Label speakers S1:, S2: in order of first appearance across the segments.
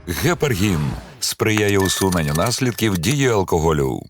S1: Гепаргін сприяє усуненню наслідків дії алкоголю.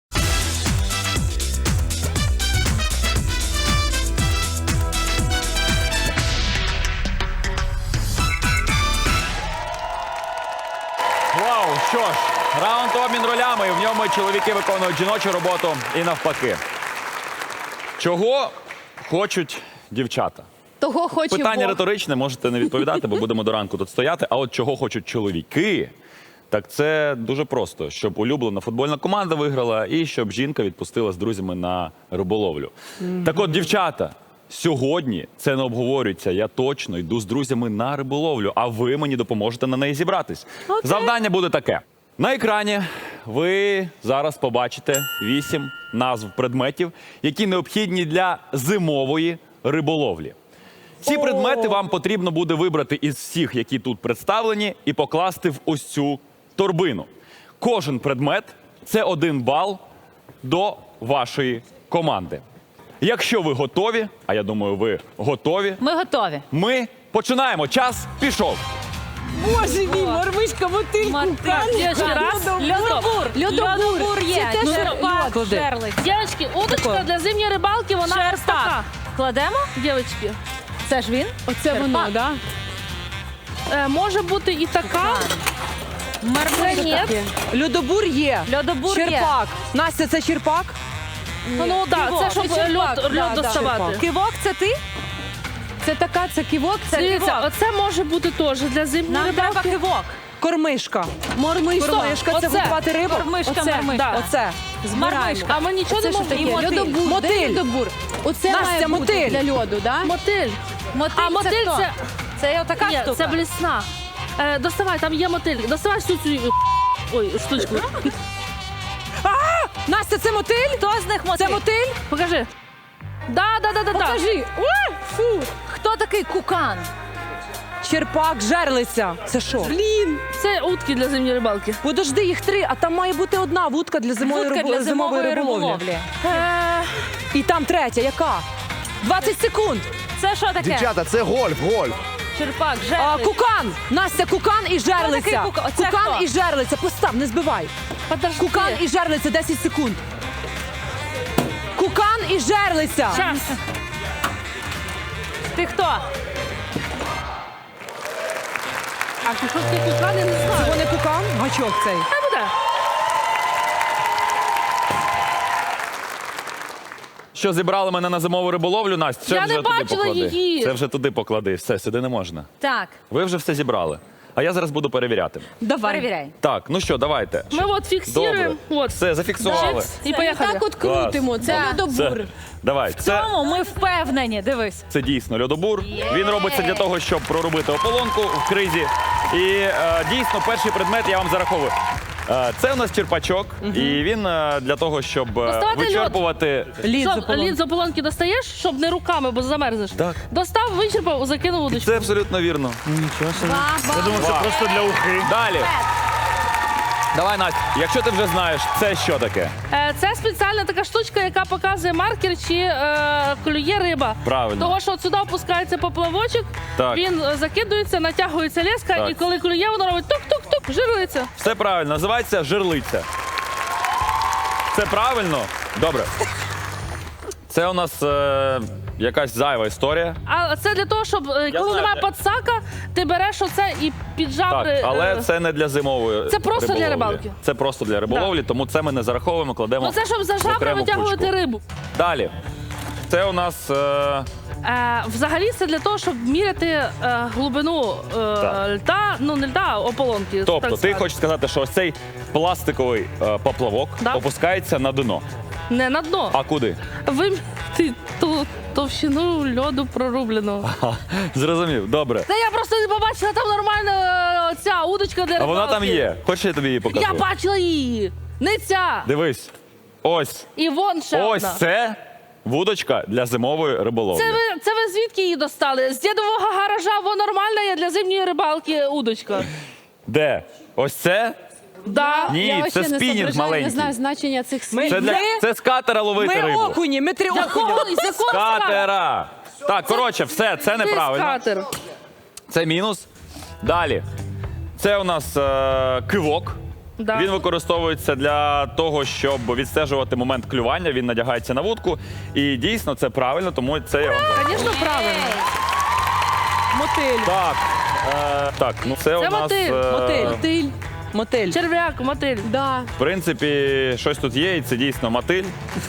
S2: Вау, що ж, раунд обмін ролями, і в ньому чоловіки виконують жіночу роботу і навпаки. Чого хочуть дівчата?
S3: Того хоче
S2: Питання
S3: Бог.
S2: риторичне, можете не відповідати, бо будемо до ранку тут стояти. А от чого хочуть чоловіки, так це дуже просто. Щоб улюблена футбольна команда виграла і щоб жінка відпустила з друзями на риболовлю. Так от, дівчата, сьогодні це не обговорюється. Я точно йду з друзями на риболовлю, а ви мені допоможете на неї зібратись. Завдання буде таке. На екрані ви зараз побачите 8 назв предметів, які необхідні для зимової риболовлі. Ці предмети вам потрібно буде вибрати із всіх, які тут представлені, і покласти в ось цю торбину. Кожен предмет – це 1 бал до вашої команди. Якщо ви готові, а я думаю, ви готові,
S3: Ми готові.
S2: ми починаємо. Час пішов.
S4: Боже мій, мормишка, мотильку,
S3: Девочки, раз. Льодобур. Льодобур є.
S4: Це теж
S3: Черпак,
S4: льод.
S3: жерлик.
S5: Девочки, удочка для зимньої рибалки, вона ось така.
S3: Кладемо?
S5: Девочки,
S3: Це ж він?
S4: Оце воно, да?
S5: може бути і така.
S3: Мармель.
S5: Ні.
S4: Льодобур є.
S3: Льодобур є.
S4: Черпак. Настя, це черпак?
S5: Ну так,
S3: Кивок,
S5: це щоб
S3: це черпак.
S5: льод
S3: Да, да.
S5: доставати.
S3: Кивок це ти?
S4: Це така, це ківок, це
S5: Дивіться, оце може бути теж для зимньої
S3: Нам треба
S5: рибалки.
S3: кивок.
S4: кормишка. Кормишка, це
S5: Оце.
S4: готувати рибу?
S3: Кормишка,
S4: Оце,
S3: мармишка.
S4: Оце.
S3: Мармишка.
S5: А ми нічого не
S3: Це що
S5: можемо.
S3: таке?
S5: І мотиль.
S3: Льодобур.
S4: Мотиль.
S3: Льодобур. Оце
S4: Настя,
S3: має бути
S4: мотиль.
S3: для льоду, да?
S5: Мотиль.
S3: Мотиль
S5: А мотиль
S3: хто?
S5: це...
S3: Це отака
S5: Ні,
S3: штука?
S5: це блісна. Доставай, там є мотиль. Доставай всю цю... Ой, штучку.
S4: Настя, це мотиль?
S3: Хто з них мотиль?
S4: Це мотиль?
S5: Покажи. Да.
S4: Покажи. Ой, фу.
S3: Хто такий кукан?
S4: Черпак, жерлиця. Це що? Блін.
S5: Це утки для зимньої рибалки.
S4: Подожди, їх 3, а там має бути одна вудка для зимової
S3: Вудка для зимової риболовлі.
S4: І там третя, яка? 20 секунд.
S3: Це що таке?
S6: Дівчата, це гольф.
S3: Черпак,
S4: А,
S3: жерлик.
S4: кукан. Настя, кукан і жерлиця.
S3: такий кукан? Оце
S4: Кукан
S3: хто?
S4: і жерлиця. Постав, не збивай.
S5: Подожди.
S4: Кукан і жерлиця, 10 секунд. Кукан і жерлиця.
S5: Час.
S3: Ти хто?
S5: А ти що ти кукан, я не знаю.
S4: Це не кукан? Гачок цей.
S5: Хай буде.
S2: Що, зібрали мене на зимову риболовлю, Настя? Це
S5: Я
S2: вже
S5: не
S2: туди
S5: бачила
S2: поклади.
S5: її.
S2: Це вже туди поклади. Все, сюди не можна.
S3: Так,
S2: Ви вже все зібрали. А я зараз буду перевіряти.
S3: перевіряй.
S2: Так, ну що, давайте.
S5: Ми от фіксуємо.
S2: Добре.
S5: От.
S2: Все, зафіксували.
S5: І поїхали.
S3: Так от
S2: Клас.
S3: крутимо. Це
S2: Це,
S3: льодобур.
S2: давай, це,
S3: Тому ми впевнені, дивись.
S2: це дійсно льодобур. Він робиться для того, щоб проробити ополонку в кризі. І дійсно, перший предмет я вам зараховую. Це у нас черпачок, і він для того, щоб
S5: Доставати льод.
S2: вичерпувати.
S5: Лід з ополонки достаєш, щоб не руками, бо замерзнеш.
S2: Так.
S5: Достав, вичерпав, закинув удочку.
S2: Це абсолютно вірно.
S3: Я думаю,
S2: Це просто для ухи. Далі. Давай, Настя, якщо ти вже знаєш, це що таке?
S5: Це спеціальна така штучка, яка показує маркер, чи клює риба.
S2: Правильно.
S5: Того, що от сюди опускається поплавочок,
S2: Так.
S5: він закидується, натягується леска,
S2: Так.
S5: і коли клює, воно робить тук-тук-тук, жирується.
S2: Все правильно, називається жерлиця. Це правильно? Добре. Це у нас якась зайва історія.
S5: А це для того, щоб коли
S2: знаю,
S5: немає
S2: де.
S5: підсака, ти береш оце і піджав.
S2: Так, але це не для зимової
S5: Це просто для
S2: риболовлі.
S5: рибалки.
S2: Це просто для риболовлі, тому це ми не зараховуємо, кладемо.
S5: Ну це щоб за
S2: в
S5: жабри
S2: окрему
S5: витягувати
S2: кучку.
S5: рибу.
S2: Далі. Це у нас
S5: Взагалі це для того, щоб міряти глибину
S2: Так.
S5: льда, ну не льда, а ополонки.
S2: тобто,
S5: так
S2: ти
S5: сказати.
S2: хочеш сказати, що ось цей пластиковий поплавок
S5: Да.
S2: опускається на дно.
S5: Не на дно.
S2: А куди?
S5: Виміряти ту товщину льоду прорубленого.
S2: Зрозумів, добре.
S5: Та я просто не побачила там нормальна ця удочка для
S2: А
S5: рибалки.
S2: вона там є. Хочеш, я тобі її покажу?
S5: Я бачила її. Не ця.
S2: Дивись. Ось.
S5: І вон ще
S2: Ось
S5: одна.
S2: це вудочка для зимової риболовлі.
S5: Це ви звідки її достали? З дідового гаража, во нормальна є для зимньої рибалки удочка.
S2: Де? Ось це?
S5: Да.
S2: Ні, це спінінг маленький.
S3: Не знаю значення цих слів.
S2: Це, це з катера ловити
S4: Ми
S2: рибу.
S4: окуні, ми 3 окуня.
S5: З якого
S2: З катера. Так, коротше, все, це неправильно.
S5: Скатер.
S2: Це мінус. Далі. Це у нас кивок.
S5: Да.
S2: Він використовується для того, щоб відстежувати момент клювання. Він надягається на вудку. І дійсно це правильно, тому це я вам зараз.
S5: Звісно, правильно.
S4: Мотиль.
S2: Так, ну це у нас
S5: мотиль.
S4: Мотиль. Мотиль.
S5: Черв'як, мотиль.
S4: Да.
S2: в принципі щось тут є, і це дійсно мотиль.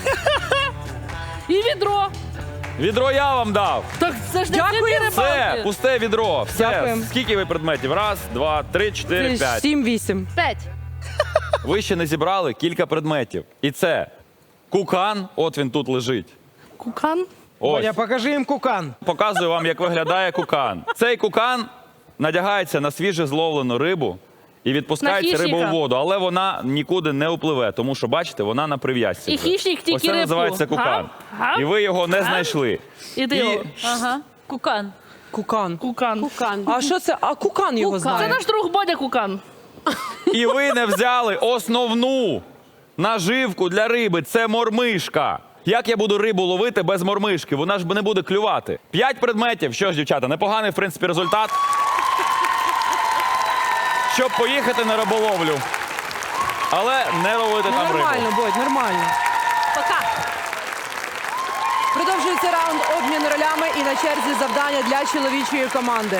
S5: І відро.
S2: Відро я вам дав.
S5: Так це ж не
S4: Дякую.
S5: всі
S2: Це
S5: рибалки.
S2: пусте відро. Все.
S4: Дякуємо.
S2: Скільки ви предметів? Раз, два, три, чотири, п'ять.
S4: 7-8.
S5: 5.
S2: Ви ще не зібрали кілька предметів. І це кукан, от він тут лежить.
S5: Кукан.
S2: Ось.
S6: Боня, покажи їм кукан.
S2: Показую вам, як виглядає кукан. Цей кукан надягається на свіже зловлену рибу і відпускається
S5: На
S2: риба у
S5: хищника.
S2: воду, але вона нікуди не впливе, тому що, бачите, вона на прив'язці.
S5: І
S2: вже.
S5: хищник тільки
S2: Ось це
S5: рибку.
S2: називається кукан.
S5: Гав? Гав?
S2: І ви його не
S5: Гав?
S2: знайшли.
S5: Іди. його.
S3: Ага. Кукан.
S4: Кукан.
S5: Кукан.
S3: Кукан.
S4: А що це? А кукан його
S3: Кукан.
S5: Це
S4: знає.
S5: наш друг Бодя Кукан.
S2: І ви не взяли основну наживку для риби. Це мормишка. Як я буду рибу ловити без мормишки? Вона ж не буде клювати. 5 предметів. Що ж, дівчата, непоганий, в принципі, результат. Щоб поїхати на риболовлю. Але не ловити
S4: Ну,
S2: там рибу.
S4: нормально, Бодь, нормально.
S3: Пока.
S4: Продовжується раунд обмін ролями і на черзі завдання для чоловічої команди.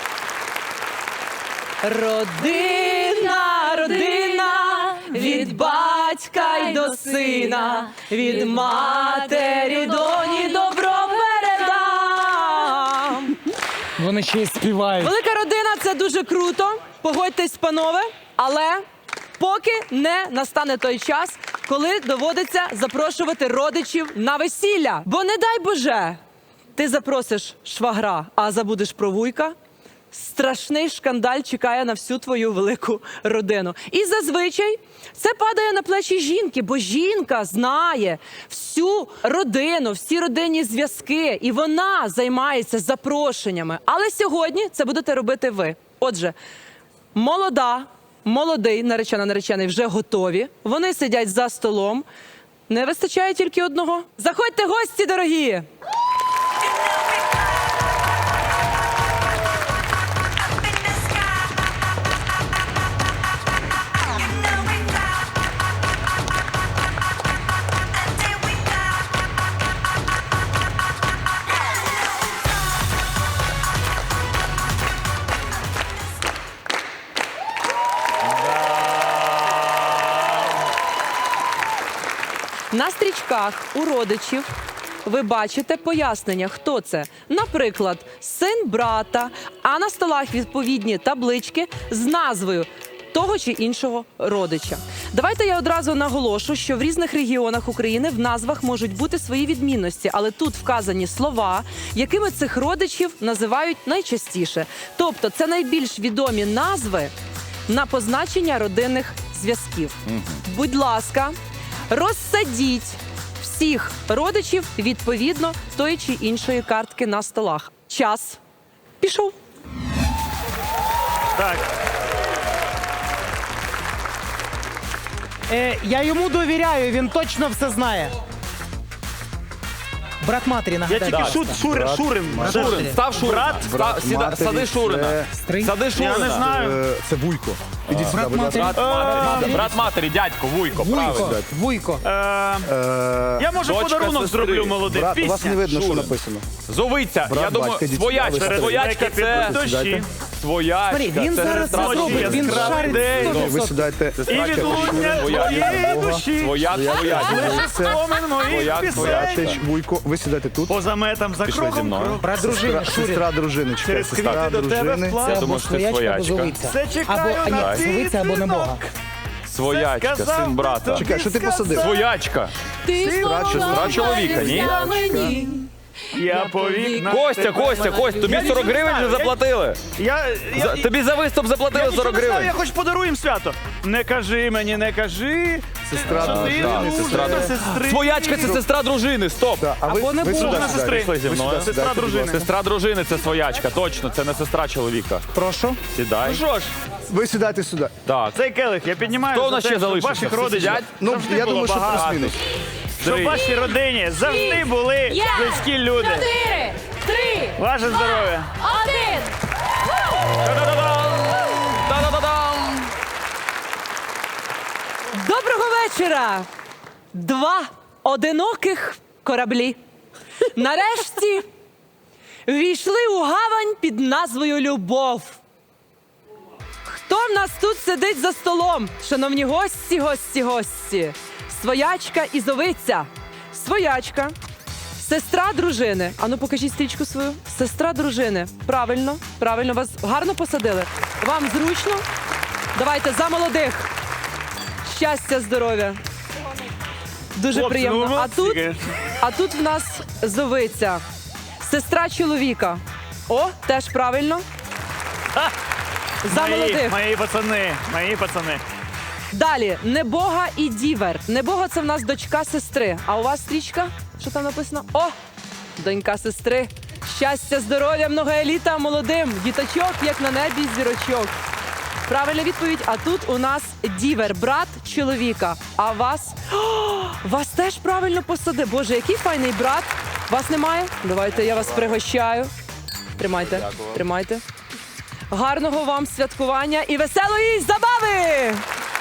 S4: Родина, родина, від батька й до сина, від матері доні добро передам.
S6: Вони ще й співають.
S4: Велика родина – це дуже круто, погодьтесь, панове, але поки не настане той час, коли доводиться запрошувати родичів на весілля. Бо не дай Боже, ти запросиш швагра, а забудеш про вуйка, страшний шкандаль чекає на всю твою велику родину. І зазвичай це падає на плечі жінки, бо жінка знає всю родину, всі родинні зв'язки, і вона займається запрошеннями. Але сьогодні це будете робити ви. Отже, молодий, наречена, наречений вже готові. Вони сидять за столом. Не вистачає тільки одного. Заходьте, гості дорогі! На стрічках у родичів ви бачите пояснення, хто це. Наприклад, син брата, а на столах відповідні таблички з назвою того чи іншого родича. Давайте я одразу наголошу, що в різних регіонах України в назвах можуть бути свої відмінності, але тут вказані слова, якими цих родичів називають найчастіше. Тобто це найбільш відомі назви на позначення родинних зв'язків. Будь ласка, розсадіть всіх родичів відповідно тої чи іншої картки на столах. Час пішов.
S6: Так. Я йому довіряю, він точно все знає. Брат матері,
S7: Я
S6: нагадай.
S7: тільки Шурин.
S2: Шурин, став Шурина. Сади Шурина.
S6: Стрий.
S2: Сади Шурина.
S7: Я не знаю.
S8: Це Вуйко. Ідіть сюди,
S6: Брат
S8: будь ласка.
S6: матері.
S2: Брат матері, дядько, вуйко,
S6: Вуйко.
S2: правильно.
S6: Вуйко.
S7: Я може
S2: Дочка
S7: подарунок
S2: сестри.
S7: зроблю молодим.
S8: Брат, у вас не
S7: Пісня.
S8: видно, що
S2: Шурин.
S8: написано.
S2: Зовиця,
S8: Брат,
S2: я думаю,
S8: батька, дітей.
S2: своячка.
S8: Ви
S2: Своячка
S7: Які
S2: це
S7: підуть дощі.
S2: своячка.
S6: Він
S2: це
S6: зараз
S2: сестра
S6: це зробить,
S2: Шурина.
S6: він
S7: яскравий
S6: шарить
S7: день.
S6: 100%.
S8: Ви сідайте.
S7: І відлуння твоєї душі.
S2: Свояк, свояк.
S7: Лише спомин моїх
S2: Свояк,
S7: пісень.
S2: свояк.
S8: Теж Вуйко, ви сідайте тут.
S7: Поза метам за
S2: Пішли зі
S7: кроком.
S2: мною.
S7: крок.
S6: Брат дружини, Шурін.
S8: Сестра дружини, чекай,
S7: Через
S8: сестра
S7: квіти до тебе
S8: дружини.
S7: вплав.
S6: Це
S2: Я
S6: або
S2: думаю, що це
S6: своячка, або
S2: своячка.
S6: зовиця.
S7: Все чекаю
S6: Або
S7: на твій
S6: зовиця, або не Бога.
S2: Своячка,
S7: Сказав
S2: син брата.
S7: тобі
S8: Чекай, що ти посадив?
S2: Своячка. Сестра чоловіка, ні?
S7: Я повік на
S2: Костя, тобі 40 гривень вже заплатили. Тобі за виступ заплатили 40
S7: Я
S2: гривень.
S7: хоч подаруємо свято. Не кажи мені, не кажи.
S8: Сестра
S7: Що ти
S8: дружини,
S7: дружина
S8: сестра.
S7: сестри.
S2: Своячка це сестра дружини, стоп.
S8: А ви
S6: Або не
S8: ви
S6: Бога.
S8: сюди
S7: Вона
S8: сідайте.
S7: сестри.
S2: Пішли зі
S8: Ви
S2: мною.
S8: сюди
S7: Сестра
S8: сідайте, будь
S7: дружини.
S8: ласка.
S2: Сестра дружини це своячка, точно, це не сестра чоловіка.
S6: Прошу.
S2: Сідай.
S7: Ну що ж,
S8: Ви сідайте сюди.
S2: Так.
S7: цей келих я піднімаю.
S2: Хто у
S7: за
S2: нас
S7: те,
S2: ще
S7: щоб
S2: залишився?
S7: ваших
S2: Всі
S7: родичів
S2: сидять?
S8: Ну,
S7: завжди
S8: я
S7: було
S8: думаю, що
S7: багато.
S8: плюс-мінус.
S7: Щоб в вашій родині завжди були близькі люди.
S3: 4, 3,
S7: Ваше здоров'я.
S3: 1.
S2: Та-да-да-да!
S4: Доброго вечора! Два одиноких кораблі нарешті ввійшли у гавань під назвою Любов. Хто в нас тут сидить за столом? Шановні гості. Своячка і зовиця. Своячка. Сестра дружини. Ану, покажіть стрічку свою. Сестра дружини. Правильно, вас гарно посадили. Вам зручно? Давайте за молодих. Щастя, здоров'я. Дуже
S7: Хлопці,
S4: приємно.
S7: ну,
S4: А тут в нас зовиця. Сестра чоловіка. О, теж правильно. За молодих.
S7: Мої пацани.
S4: Далі. Небога і дівер. Небога – це в нас дочка сестри. А у вас стрічка? Що там написано? О, донька сестри. Щастя, здоров'я, многоеліта молодим. Діточок, як на небі, зірочок. Правильна відповідь. А тут у нас дівер, брат чоловіка. А вас? О, вас теж правильно посади. Боже, який файний брат. Вас немає? Давайте я вас пригощаю. Тримайте. Гарного вам святкування і веселої забави!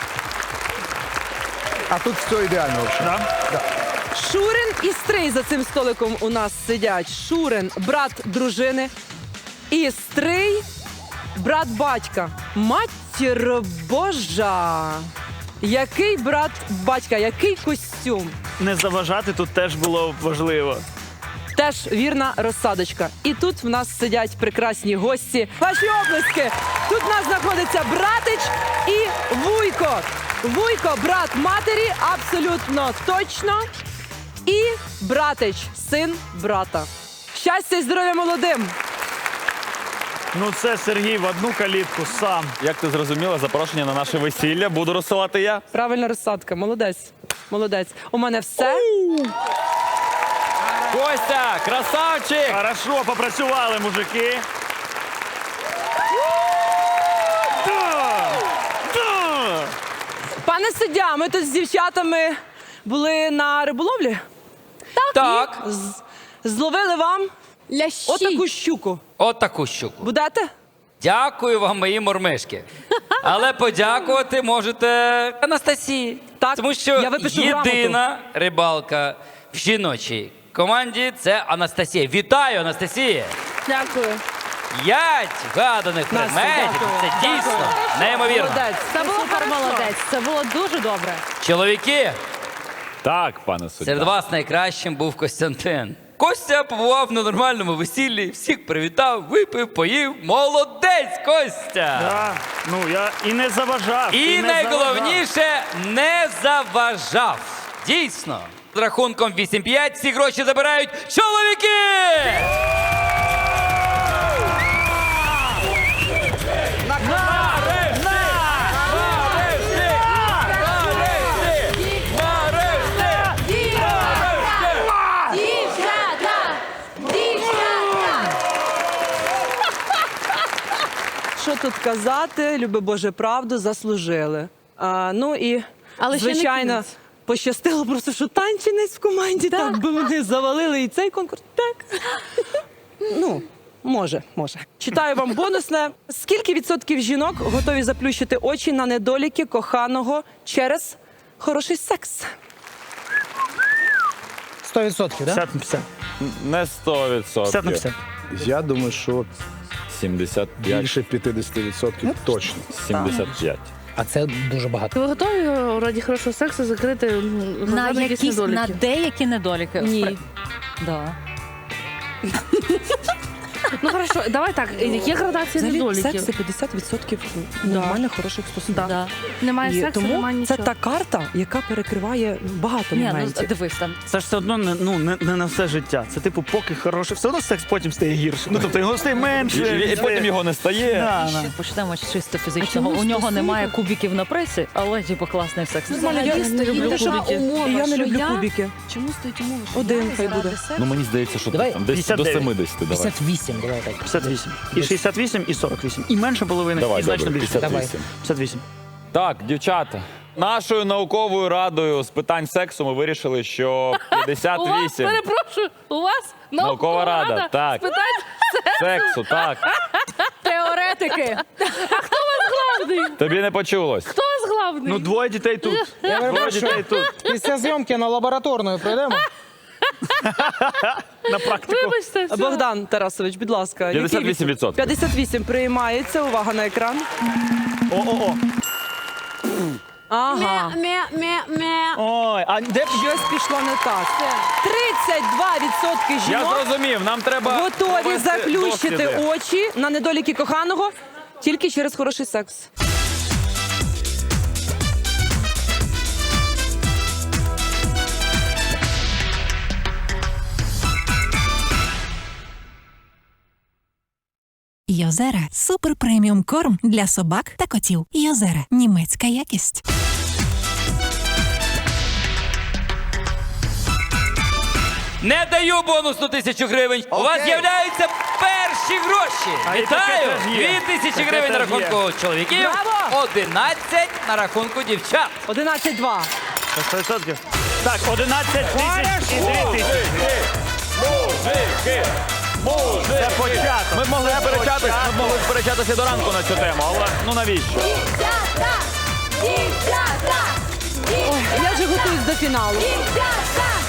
S8: А тут все ідеально взагалі.
S4: Шурин і Стрий за цим столиком у нас сидять. Шурин – брат дружини. І Стрий – брат батька. Матір Божа! Який брат батька, який костюм.
S7: Не заважати тут теж було важливо.
S4: Теж вірна розсадочка. І тут в нас сидять прекрасні гості. Ваші оплески! Тут в нас знаходиться братич і вуйко. Вуйко – брат матері, абсолютно точно. І братич – син брата. Щастя і здоров'я молодим!
S7: Ну це Сергій в одну калітку сам.
S2: Як ти зрозуміла, запрошення на наше весілля буду розсилати я.
S4: Правильна розсадка. Молодець. У мене все.
S2: Костя, красавчик!
S7: Хорошо, попрацювали, мужики. Да!
S4: Пане суддя, ми тут з дівчатами були на риболовлі.
S9: Так,
S4: Зловили вам
S3: Лящі.
S4: отаку щуку.
S9: от таку щуку.
S4: Будете?
S9: Дякую вам, мої мормишки. Але подякувати можете Анастасії.
S4: Так,
S9: Тому що
S4: я випишу
S9: єдина рибалка в жіночій команді – це Анастасія. Вітаю, Анастасія!
S5: Дякую.
S9: 5 вгаданих
S4: Настя,
S9: предметів.
S4: дякую.
S9: Це дійсно неймовірно.
S4: Молодець.
S3: Це було супер молодець. Це було дуже добре.
S9: Чоловіки,
S2: Так, пане суддя.
S9: серед вас найкращим був Костянтин. Костя побував на нормальному весіллі, всіх привітав, випив, поїв. Молодець, Костя!
S7: Да. Ну я і не заважав.
S9: І
S7: не заважав.
S9: найголовніше не заважав. Дійсно. З рахунком 8-5 всі гроші забирають чоловіки!
S4: Що тут казати? Люби Боже, правду заслужили. Ну і,
S3: Але ще не
S4: звичайно,
S3: кінець.
S4: пощастило просто, що танчинець в команді. Так би вони завалили і цей конкурс. Так. Ну, може. Читаю вам бонусне. Скільки відсотків жінок готові заплющити очі на недоліки коханого через хороший секс?
S6: 100%, так?
S7: 50 на 50.
S2: Не 100%.
S7: 50 на 50.
S8: Я думаю, що
S2: 75.
S8: більше 50% точно.
S2: 75.
S6: А це дуже багато.
S5: Ви готові раді хорошого сексу закрити
S3: На
S5: якісь
S3: якісь на
S5: недоліки?
S3: деякі недоліки.
S4: Ні.
S3: Да.
S5: Ну хорошо, давай так. Є градація
S4: Взагалі, секс
S5: недоліків.
S4: це 50% нормальних, хороших стосунків.
S3: Да.
S5: Немає
S4: І
S5: сексу,
S4: тому
S5: немає
S4: це
S5: нічого.
S4: та карта, яка перекриває багато
S3: Ні, ну
S4: моментів.
S3: дивись там.
S7: Це ж все одно не на все життя. Це типу, поки хороший. Все одно секс потім стає гірше. Ну тобто його стає менше.
S2: І потім його не стає.
S7: Да.
S3: Почнемо з чисто фізичного. У нього немає кубиків на пресі, але типу класний секс.
S4: Нормально, я не люблю кубики. І я не люблю кубики.
S3: Чому стоїть умова? що
S4: Один
S3: я
S4: хай
S3: заради
S4: буде.
S3: сексу-
S2: Ну мені здається, що
S6: Давай
S2: там десь до
S7: 59.
S2: 70 давай.
S6: 58, давай так.
S7: 58. І 68, і 48. І менше половини,
S2: Давай,
S7: і значно
S2: добре,
S7: більше.
S2: 58.
S7: 58.
S2: Так, дівчата. Нашою науковою радою з питань сексу ми вирішили, що
S5: У вас,
S2: 58
S5: перепрошую, у вас
S2: Наукова рада, так.
S5: з питань
S2: сексу, так.
S3: Теоретики.
S5: главний.
S2: Тобі не почулось.
S5: Хто з главний?
S7: Ну, двоє дітей тут.
S6: Я
S7: Двоє
S6: перепрошую,
S7: дітей тут.
S6: після зйомки на лабораторну пройдемо.
S7: На практику.
S5: Вибачте, все.
S4: Богдан Тарасович, будь ласка. який
S2: 58%.
S4: 58 приймається. Увага на екран.
S7: О.
S4: Ага.
S7: Ой, а де б
S4: Щось пішло не так. 32%
S2: Я
S4: жінок
S2: зрозумів, нам треба
S4: готові
S2: провести
S4: заплющити
S2: досліди.
S4: очі на недоліки коханого тільки через хороший секс.
S10: Йозера – супер преміум корм для собак та котів. Йозера – німецька якість.
S9: Не даю бонусну 1000 гривень. У вас з'являються перші гроші.
S7: А і
S9: Вітаю!
S7: таке теж є.
S9: 2000
S7: Таке
S9: гривень на
S7: теж є.
S9: рахунку чоловіків,
S4: Браво!
S9: 11 на рахунку дівчат.
S4: 11-2.
S7: 100%? Так, 11 тисяч і 2 тисячі.
S2: Мужики!
S7: Це початок.
S2: Ми могли сперечатися до ранку на цю тему, але ну навіщо?
S4: Ой, я вже готуюсь до фіналу.
S11: Дівчата!